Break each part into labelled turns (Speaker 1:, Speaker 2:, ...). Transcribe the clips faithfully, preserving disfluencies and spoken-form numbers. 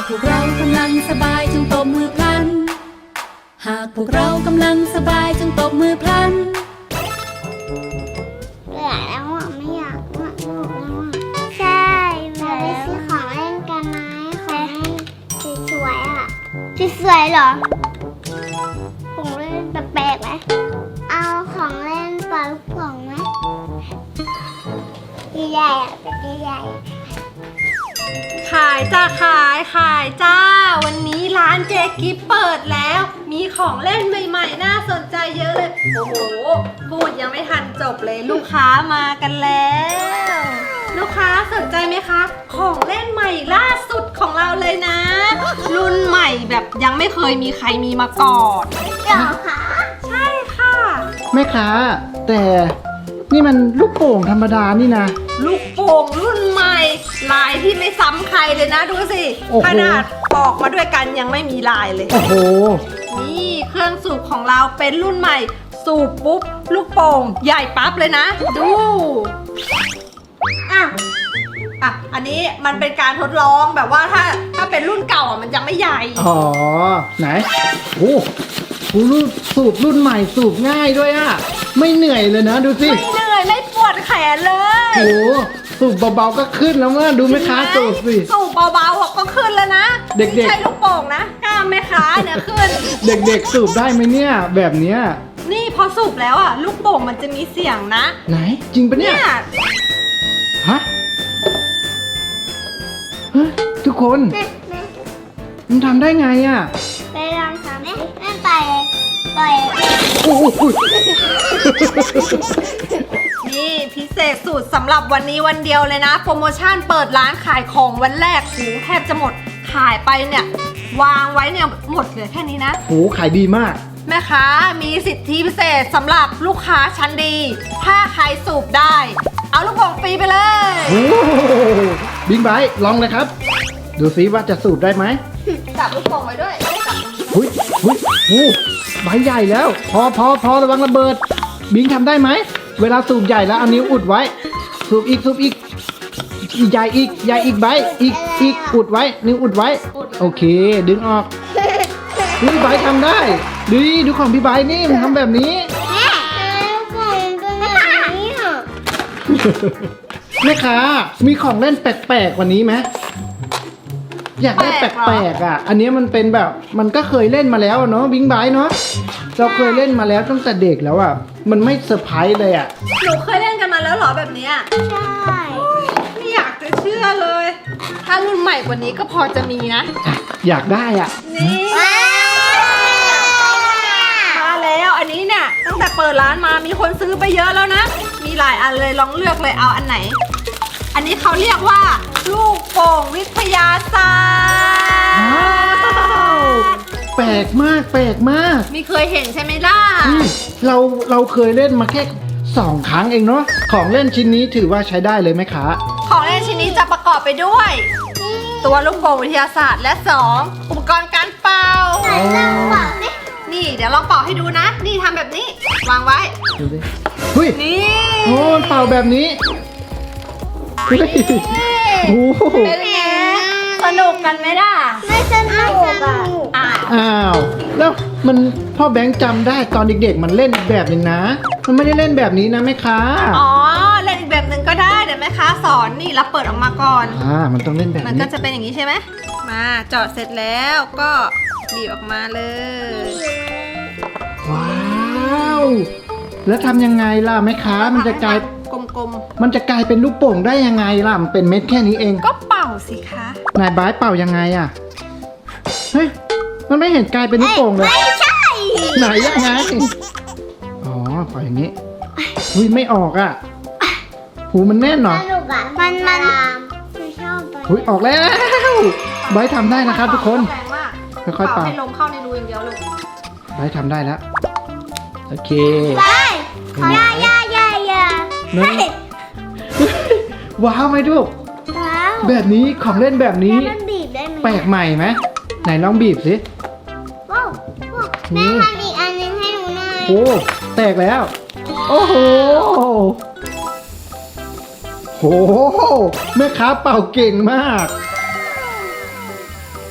Speaker 1: พวกเรากำลังสบายจงตบมือพลันหากพวกเรากำลังสบายจงตบมือพลัน
Speaker 2: เบื่อแล้วอ่ะไม่อยากมาลูกแล้วอ่ะใช่เราไปซื้อของเล่นกันไหมของเล่นสวยๆอ่ะสวยๆเหรอของเล่นแปลกๆไหมเอาของเล่นปลาลูกโป่งไหมใหญ่ๆอ่ะใหญ่
Speaker 3: ขายจ้าขายขายจ้าวันนี้ร้านเจกิฟเปิดแล้วมีของเล่นใหม่ๆน่าสนใจเยอะเลยโอ้โหพูดยังไม่ทันจบเลยลูกค้ามากันแล้วลูกค้าสนใจไหมคะของเล่นใหม่ล่าสุดของเราเลยนะ รุ่นใหม่แบบยังไม่เคยมีใครมีมาก่อน
Speaker 2: ๆเดี๋ยวค่ะ
Speaker 3: ใช่ค่ะ
Speaker 4: แม่ค้าแต่นี่มันลูกโป่งธรรมดานี่นะ
Speaker 3: ลูกโป่งรุ่นใหม่ลายที่ไม่ซ้ำใครเลยนะดูสิขนาดออกมาด้วยกันยังไม่มีลายเลย
Speaker 4: โอ้โห
Speaker 3: นี่เครื่องสูบของเราเป็นรุ่นใหม่สูบปุ๊บลูกโป่งใหญ่ปั๊บเลยนะดูอ่ะอ่ะอันนี้มันเป็นการทดลองแบบว่าถ้าถ้าเป็นรุ่นเก่าอ่ะมันจะไม่ใหญ่
Speaker 4: อ๋อไหนโอ้โหรุ่นสูบรุ่นใหม่สูบง่ายด้วยอ่ะไม่เหนื่อยเลยนะดูสิ
Speaker 3: ไม่เหนื่อยไม่ปวดแขนเลย
Speaker 4: โอ้สูบเบาๆก็ขึ้นแล้วเมื่อดูแม่ค้าสูบสิ
Speaker 3: สูบเบาๆก็ขึ้นแล้วนะ
Speaker 4: เด็กๆ
Speaker 3: ไม่ใช่ลูกโป่งนะกล้ามแม่ค้าเนี่ยขึ้น
Speaker 4: เด็กๆสูบได้ไหมเนี่ยแบบเนี้ย
Speaker 3: นี่พอสูบแล้วอ่ะลูกโป่งมันจะมีเสียงนะ
Speaker 4: ไหนจริงปะเนี่ยฮะฮะทุกคนมันทำได้ไงอ่ะ
Speaker 2: ไปลองทำไหมไม่ไปไป
Speaker 4: โอ้โห
Speaker 3: นี่พิเศษสุดสำหรับวันนี้วันเดียวเลยนะโปรโมชั่นเปิดร้านขายของวันแรกหูแทบจะหมดขายไปเนี่ยวางไว้เนี่ยหมดเหลือแค่นี้นะ
Speaker 4: โหขายดีมาก
Speaker 3: แม่ค้ามีสิทธิพิเศษสำหรับลูกค้าชั้นดีถ้าใครสูบได้เอาลูกโป่งฟรีไปเลย
Speaker 4: โอ้บิ๊กไบค์ลองเลยครับดูซิว่าจะสูบได้ไหม
Speaker 3: จับลูกโป่งไว้ด้วยจับ
Speaker 4: หุ้ยหุ้ยโอ้ใบใหญ่แล้วพอพอพอระวังระเบิดบิงทำได้ไหมเวลาสูบใหญ่แล้วเอานิ้วอุดไว้สูบอีกสูบอีกใหญ่อีกใหญ่อีกใบอีกอีกอุดไว้นิ้วอุดไว้โอเคดึงออกพี่ใบทำได้ดูดูของพี่ใบนี่มันทำแบบนี้
Speaker 2: แม่กล่องตัวนี้อ่ะ
Speaker 4: แม่ค้ามีของเล่นแปลกๆกว่านี้ไหมอยากได้แปลกๆอ่ะอันนี้มันเป็นแบบมันก็เคยเล่นมาแล้วเนาะบิงไบเนาะเราเคยเล่นมาแล้วตั้งแต่เด็กแล้วอ่ะมันไม่เซอร์ไพรส์เลยอ่ะ
Speaker 3: หนูเคยเล่นกันมาแล้วเหรอแบบนี้
Speaker 2: ใช่
Speaker 3: ไม่อยากจะเชื่อเลยถ้ารุ่นใหม่กว่านี้ก็พอจะมีนะ
Speaker 4: อยากได้อ่ะ
Speaker 3: นี่มาแล้วอันนี้เนี่ยตั้งแต่เปิดร้านมามีคนซื้อไปเยอะแล้วนะมีหลายอันเลยลองเลือกเลยเอาอันไหนอันนี้เขาเรียกว่าลูกโป่งวิทยาศาสตร์
Speaker 4: แปลกมากแปลกมาก
Speaker 3: ไม่เคยเห็นใช่ไหมล่ะ
Speaker 4: เราเราเคยเล่นมาแค่สองครั้งเองเนาะของเล่นชิ้นนี้ถือว่าใช้ได้เลยไหมคะ
Speaker 3: ของเล่นชิ้นนี้จะประกอบไปด้วยตัวลูกโป่งวิทยาศาสตร์และสองอุปกรณ์การเป่านี่เดี๋ยวลองเป่าให้ดูนะนี่ทำแบบนี้วางไว้
Speaker 4: เฮ้ย
Speaker 3: นี่
Speaker 4: โอ้เป่าแบบนี้เฮ้ยโอ้
Speaker 3: เป็นไงสนุกกันไหมล่ะ
Speaker 2: ไม่สนุกอ่ะ
Speaker 4: อ้าวแล้วมันพ่อแบงค์จำได้ตอนเด็กๆมันเล่นอีกแบบหนึ่งนะมันไม่ได้เล่นแบบนี้นะแม่ค้า
Speaker 3: อ๋อเล่นอีกแบบหนึ่งก็ได้เดี๋ยวแม่ค้าสอนนี่เราเปิดออกมาก่อน
Speaker 4: อ่ามันต้องเล่นแบบนี้
Speaker 3: มันก็จะเป็นอย่างนี้ใช่ไหมมาเจาะเสร็จแล้วก็บีบออกมาเลย
Speaker 4: ว้าวแล้วทำยังไงล่ะแม่ค้ามันจะกลาย
Speaker 3: กลม
Speaker 4: ๆมันจะกลายเป็นลูกโป่งได้ยังไงล่ะมันเป็นเม็ดแค่นี้เอง
Speaker 3: ก็เป่าสิคะ
Speaker 4: นายบายเป่ายังไงอ่ะเฮ้ยมันไม่เห็นกลายเป็นลูกโป่งเลย
Speaker 2: ไม่ใช่
Speaker 4: ไหนยังไงอ๋อเป่าอย่างนี้หุ้ยไม่ออกอ่ะหูมันแน่นหรอ
Speaker 2: มันมัน
Speaker 4: หุ้ยออกแล้วบายทำได้นะครับทุกคนค่อยๆเป่า
Speaker 3: ให้ลมเข้าในรูอย่างเดียวลูก
Speaker 4: บายทำได้แล้วโอเค
Speaker 2: ไปย่าย่าย่าย่า
Speaker 4: ว้าวไหมลูกแบบนี้ของเล่นแบบนี้แปลกใหม่ไหมไหนลองบีบสิ
Speaker 2: ว้าวแม่ทำอีกอันนึงให้หนูหน่อย
Speaker 4: โอ้แตกแล้วโอ้โหโหแม่ค้าเป่าเก่งมาก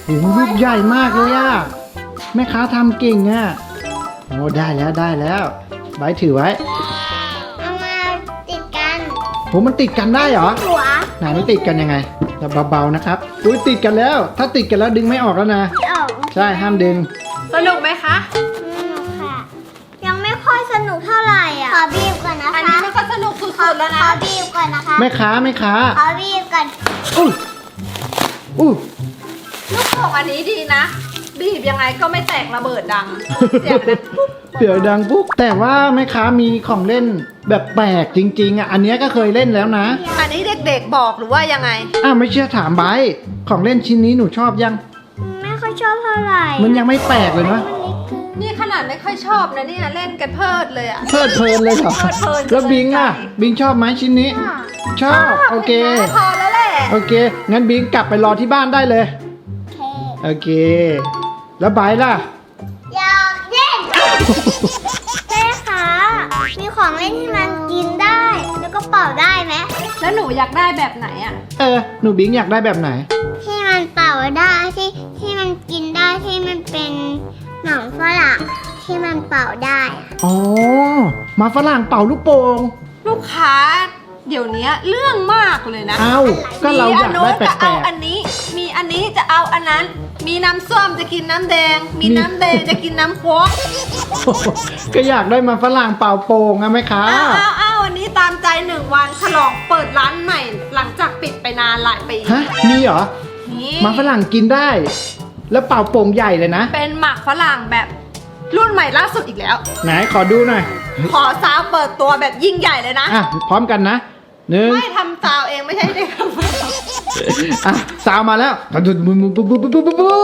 Speaker 4: โอ้โหลูกใหญ่มากเลยอะแม่ค้าทำเก่งอะโอ้ได้แล้วได้แล้วใบถือไว้
Speaker 2: เอามาติดกัน
Speaker 4: โหมันติดกันได้เหรอ
Speaker 2: หัว
Speaker 4: ไหนมันติดกันยังไงเบาๆนะครับอุ้ยติดกันแล้ว ถ้าติดกันแล้วดึงไม่ออกแล้วนะ
Speaker 2: ไม่ออก
Speaker 4: ใช่ห้ามดึง
Speaker 3: สนุกไหมคะ
Speaker 2: สนุกค่ะ ยังไม่ค่อยสนุกเท่าไหร่อ่ะ ขอบีบก่อนนะคะ
Speaker 3: อันนี้มันก็สนุกสุดๆแล้ว
Speaker 2: ข
Speaker 3: นะ
Speaker 2: อบีบก่อนนะคะ
Speaker 4: แม่ค้าแม่ค้า
Speaker 2: ขอบีบก่อน
Speaker 4: อู้อู้
Speaker 3: ลูกโป่งอันนี้ดีนะ บีบยังไงก็ไม่แตกระเบิดดัง เสียงดังปุ๊บ
Speaker 4: เสียงดังปุ๊บแต่ว่าแม่ค้ามีของเล่นแบบแปลกจริงๆอ่ะอันเนี้ยก็เคยเล่นแล้วนะ
Speaker 3: อันนี้เด็กๆบอกหรือว่ายังไง
Speaker 4: อ้าวไม่เชื่อถามไบร์ทของเล่นชิ้นนี้หนูชอบยัง
Speaker 2: ไม่ค่อยชอบเท่าไหร่
Speaker 4: มันยังไม่แปลกเลยนะ
Speaker 3: นี่ขนาดไม่ค่อยชอบนะเนี่ยเล่นกันเพลิดเลยอะ
Speaker 4: เพลิดเพลินเลยเหรอ
Speaker 3: เพลิดเพลิน
Speaker 4: แล้วบิงอ่ะบิงชอบไหมชิ้นนี้ ชอบโอเค
Speaker 3: พอแล้วแหละ
Speaker 4: โอเค งั้นบิงกลับไปรอที่บ้านได้เลย
Speaker 2: โอเค
Speaker 4: โอเค แล้วไบร์ทล่ะ
Speaker 2: อยากเล่นแม่คะมีของเล่นที่มันกินได้ แล้วก็เป่าได้ไหม
Speaker 3: แล้วหนูอยากได้แบบไหนอะ
Speaker 4: เออ หนูบิงอยากได้แบบไหน
Speaker 2: ที่มันเป่าได้ที่ที่มันกินได้ที่มันเป็นหนองฝรั่งที่มันเป่าได้อะ
Speaker 4: อ๋อ มาฝรั่งเป่าลูกโป่ง
Speaker 3: ลูกค้า เดี๋ยวนี้เรื่องมากเลยนะ
Speaker 4: เอ้า ก็เราอยากได้แป
Speaker 3: มีอันโน้นจะ
Speaker 4: ล
Speaker 3: เอา
Speaker 4: ก
Speaker 3: อันนี้ มีอันนี้จะเอาอันนั้น มีน้ำส้มจะกินน้ำแดง มีน้ำแดงจะกินน้ำโค้ก
Speaker 4: ๆ ก็อยากได้มาฝรั่งเป่าโป่งอะไหมคะ
Speaker 3: อ้าวอ้าวอ้าววันนี้ตามใจหนึ่งวันฉลองเปิดร้านใหม่ หลังจากปิดไปนานหลายปี
Speaker 4: ฮะ มีเหรอ
Speaker 3: นี่
Speaker 4: มาฝรั่งกินได้ แล้วเป่าโป่งใหญ่เลยนะ
Speaker 3: เป็นหมักฝรั่งแบบรุ่นใหม่ล่าสุดอีกแล้ว
Speaker 4: ไหนขอดูหน่อย
Speaker 3: ขอซาวเปิดตัวแบบยิ่งใหญ่เลยนะ
Speaker 4: อ่ะ พร้อมกันนะหนึ่ง
Speaker 3: ไม่ทำซาวเองไม่ใช่เด็กทำซาว
Speaker 4: อ่ะสาวมาแล้วกระดุดบุบบุบบุบบุบบุบบุบบุบ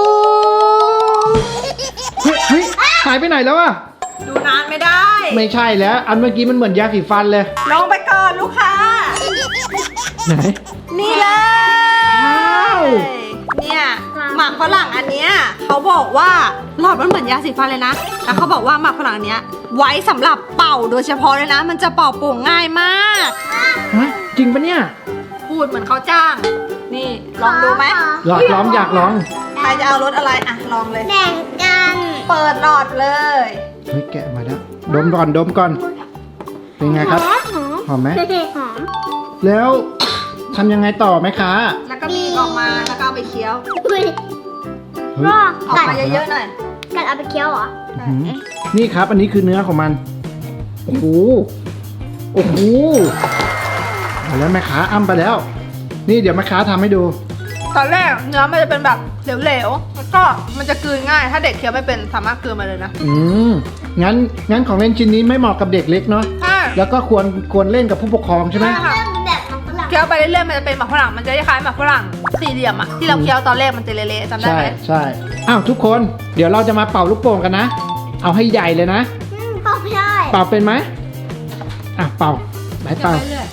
Speaker 4: เฮ้ยเฮ้ยหายไปไหนแล้วอะ
Speaker 3: ดูนานไม่ได้
Speaker 4: ไม่ใช่แล้ว อันเมื่อกี้มันเหมือนยาสีฟันเลย
Speaker 3: ลงไปก่อนลูกค้า
Speaker 4: ไหน
Speaker 3: นี่เลย
Speaker 4: ว้าว
Speaker 3: เนี่ยหมากฝรั่งอันเนี้ยเขาบอกว่าหลอดมันเหมือนยาสีฟันเลยนะแล้วเขาบอกว่าหมากฝรั่งอันเนี้ยไว้สำหรับเป่าโดยเฉพาะเลยนะ มันจะเป่าโป่งง่ายมาก
Speaker 4: ฮะ จริงปะเนี่ย
Speaker 3: พูดเหมือนเขาจ้าง นี่ลองดูไหม
Speaker 4: อยากลองอยากลอง
Speaker 3: ใครจะเอารถอะไรอ่ะลองเลย
Speaker 2: แบ่งกัน
Speaker 3: เปิดหลอดเลย
Speaker 4: เฮ้ยแกะมาแล้ว ดมก่อนดมก่อน เป็นไงครับ
Speaker 2: หอมหอม
Speaker 4: หอมไหม
Speaker 2: หอม
Speaker 4: แล้วทำยังไงต่อไหมคะ
Speaker 3: แล้วก็บีบออกมาแล้วก็เอาไปเคี้ยว
Speaker 2: อุ้ย
Speaker 4: เฮ้ย
Speaker 2: รอ
Speaker 3: ออก
Speaker 2: กัด
Speaker 3: มาเยอะๆหน่อย
Speaker 2: กัดเอาไปเคี้ยวเหรอ
Speaker 4: อื้อหือนี่ครับ อันนี้คือเนื้อของมัน โอ้โห โอ้โหเอาแล้วแม่ค้าอ้ำไปแล้ว นี่เดี๋ยวแม่ค้าทำให้ดู
Speaker 3: ตอนแรกเนื้อมันจะเป็นแบบเหลวๆแล้วก็มันจะกลืนง่าย ถ้าเด็กเคี้ยวไม่เป็นสามารถกลืนมาเลยนะ
Speaker 4: อืม งั้น งั้นของเล่นชิ้นนี้ไม่เหมาะกับเด็กเล็กเนาะ
Speaker 3: ใช่
Speaker 4: แล้วก็ควร ควรเล่นกับผู้ปกครองใช่ไหม
Speaker 3: ใช่ค่ะ
Speaker 2: เริ่มแบบมันฝรั่ง
Speaker 3: เคี้ยวไปเรื่อยๆมันจะเป็นหมากฝรั่ง มันจะคล้ายๆหมากฝรั่งสี่เหลี่ยมอะที่เราเคี้ยวตอนแรกมันจะเละๆจำได้
Speaker 4: ใช่
Speaker 3: ไหม
Speaker 4: ใช่อ้าวทุกคน เดี๋ยวเราจะมาเป่าลูกโป่งกันนะ เอาให้ใหญ่เลยนะ
Speaker 2: อืมเป่าไม่ได้
Speaker 4: เป่าเป็นไหมอ่ะเป่าใบร์ทเป่า
Speaker 3: เรื่อย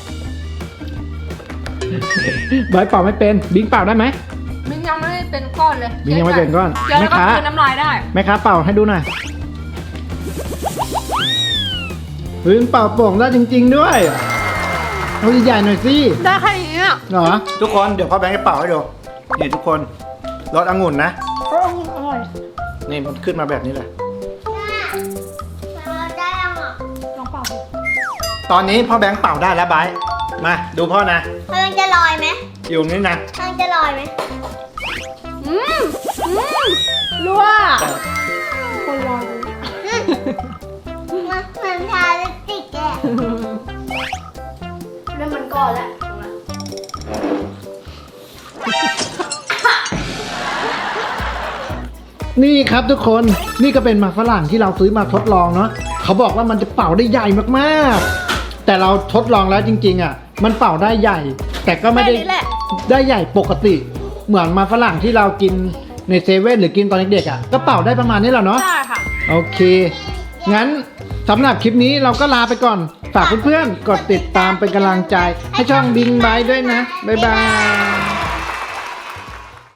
Speaker 4: ใบร์ทเป่าไม่เป็น บิงเป่าได้ไหม
Speaker 3: ๆมันยังไม่ได้เป็นก้อนเลย
Speaker 4: บิงยังไม่เป็นก้อน
Speaker 3: เคี้ยว
Speaker 4: แม่
Speaker 3: แล้วก็
Speaker 4: ค้า
Speaker 3: กลืนน้ำลายได้
Speaker 4: แม่ค้าเป่าให้ดูหน่อยเฮ้ยมันเป่าโป่งได้จริง ๆด้วยเอาใหญ่ๆหน่อยสิ
Speaker 3: ได้แค่นี้อะ
Speaker 4: เหรอ ทุกคนเดี๋ยวพ่อแบงค์จะเป่าให้ดู นี่ทุกคนรสองุ่นนะ นี่มันขึ้นมาแบบนี้เลย
Speaker 2: เราได้ยังอ่ะ
Speaker 3: ลองเป่าดู
Speaker 4: ตอนนี้พ่อแบงค์เป่าได้แล้วไบร์ทมาดูพ่อนะ
Speaker 2: มันจะลอยไหม
Speaker 4: อยู่นี่นะ
Speaker 2: มันจะลอยไหม
Speaker 3: อืมอืมรัวคนรอดู
Speaker 2: มันเหมือนทาลิปสติกเลยอะ
Speaker 3: เริ่มมันก่อนแล้ว
Speaker 4: นี่ครับทุกคน นี่ก็เป็นหมากฝรั่งที่เราซื้อมาทดลองเนาะเขาบอกว่ามันจะเป่าได้ใหญ่มากๆ แต่เราทดลองแล้วจริงๆอ่ะ มันเป่าได้ใหญ่ แต่ก็ไม่ได้
Speaker 3: แค่นี้แหละ
Speaker 4: ได้ใหญ่ปกติ เหมือนหมากฝรั่งที่เรากินในเซเว่นหรือกินตอนเด็กๆอ่ะ ก็เป่าได้ประมาณนี้แหละเนาะ
Speaker 3: ได้ค่ะ
Speaker 4: โอเค งั้นสำหรับคลิปนี้เราก็ลาไปก่อน ฝากเพื่อนๆ กดติดตามเป็นกำลังใจ ให้ช่องบิงไบด้วยนะ บ๊ายบาย